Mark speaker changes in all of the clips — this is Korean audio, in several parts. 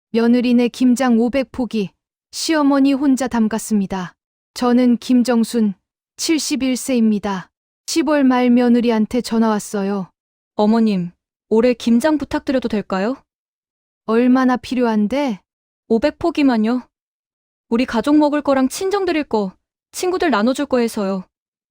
Speaker 1: 며느리네 김장 500포기 시어머니 혼자 담갔습니다. 저는 김정순 71세입니다. 10월 말 며느리한테 전화 왔어요.
Speaker 2: 어머님, 올해 김장 부탁드려도 될까요?
Speaker 1: 얼마나 필요한데?
Speaker 2: 500포기만요. 우리 가족 먹을 거랑 친정 드릴 거, 친구들 나눠줄 거 해서요.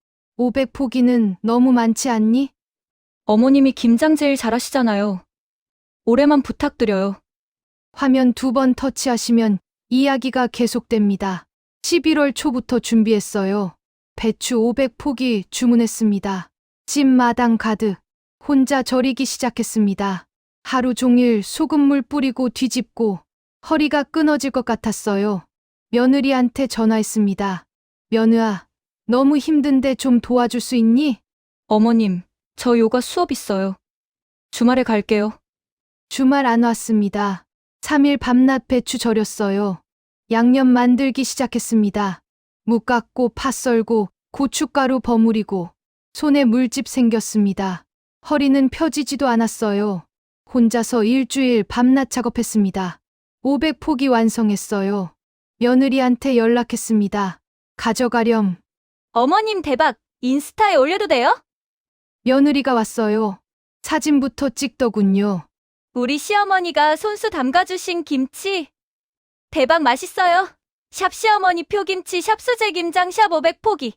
Speaker 1: 500포기는 너무 많지 않니?
Speaker 2: 어머님이 김장 제일 잘하시잖아요. 올해만 부탁드려요.
Speaker 1: 화면 2번 터치하시면 이야기가 계속됩니다. 11월 초부터 준비했어요. 배추 500포기 주문했습니다. 집 마당 가득 혼자 절이기 시작했습니다. 하루 종일 소금물 뿌리고 뒤집고 허리가 끊어질 것 같았어요. 며느리한테 전화했습니다. 며느아, 너무 힘든데 좀 도와줄 수 있니?
Speaker 2: 어머님, 저 요가 수업 있어요. 주말에 갈게요.
Speaker 1: 주말 안 왔습니다. 3일 밤낮 배추 절였어요. 양념 만들기 시작했습니다. 무 깎고 파 썰고 고춧가루 버무리고 손에 물집 생겼습니다. 허리는 펴지지도 않았어요. 혼자서 일주일 밤낮 작업했습니다. 500포기 완성했어요. 며느리한테 연락했습니다. 가져가렴.
Speaker 2: 어머님 대박! 인스타에 올려도 돼요?
Speaker 1: 며느리가 왔어요. 사진부터 찍더군요.
Speaker 2: 우리 시어머니가 손수 담가주신 김치. 대박 맛있어요. 샵 시어머니 표김치 샵 수제 김장 샵 500포기.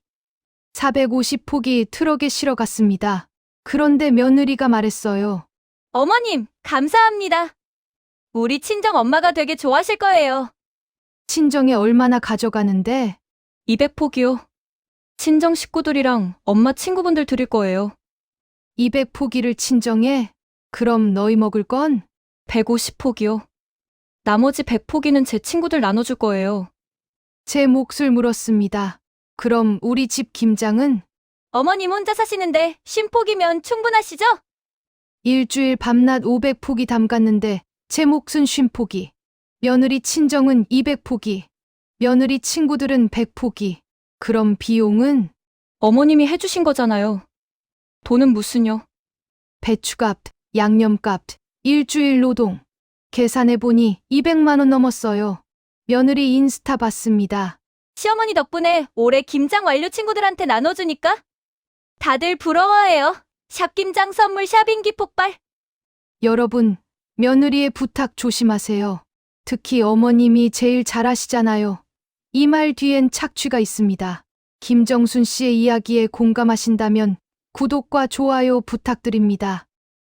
Speaker 1: 450포기 트럭에 실어 갔습니다. 그런데 며느리가 말했어요.
Speaker 2: 어머님, 감사합니다. 우리 친정 엄마가 되게 좋아하실 거예요.
Speaker 1: 친정에 얼마나 가져가는데?
Speaker 2: 200포기요. 친정 식구들이랑 엄마 친구분들 드릴 거예요.
Speaker 1: 200포기를 친정에? 그럼 너희 먹을 건?
Speaker 2: 150포기요. 나머지 100포기는 제 친구들 나눠줄 거예요.
Speaker 1: 제 몫을 물었습니다. 그럼 우리 집 김장은?
Speaker 2: 어머님 혼자 사시는데 50포기면 충분하시죠?
Speaker 1: 일주일 밤낮 500포기 담갔는데 제 몫은 50포기. 며느리 친정은 200포기. 며느리 친구들은 100포기. 그럼 비용은?
Speaker 2: 어머님이 해주신 거잖아요. 돈은 무슨요?
Speaker 1: 배추값, 양념값, 일주일 노동. 계산해보니 200만 원 넘었어요. 며느리 인스타 봤습니다.
Speaker 2: 시어머니 덕분에 올해 김장 완료 친구들한테 나눠주니까 다들 부러워해요. 샵 김장 선물 샵인기 폭발.
Speaker 1: 여러분, 며느리의 부탁 조심하세요. 특히 어머님이 제일 잘하시잖아요. 이 말 뒤엔 착취가 있습니다. 김정순 씨의 이야기에 공감하신다면 구독과 좋아요 부탁드립니다.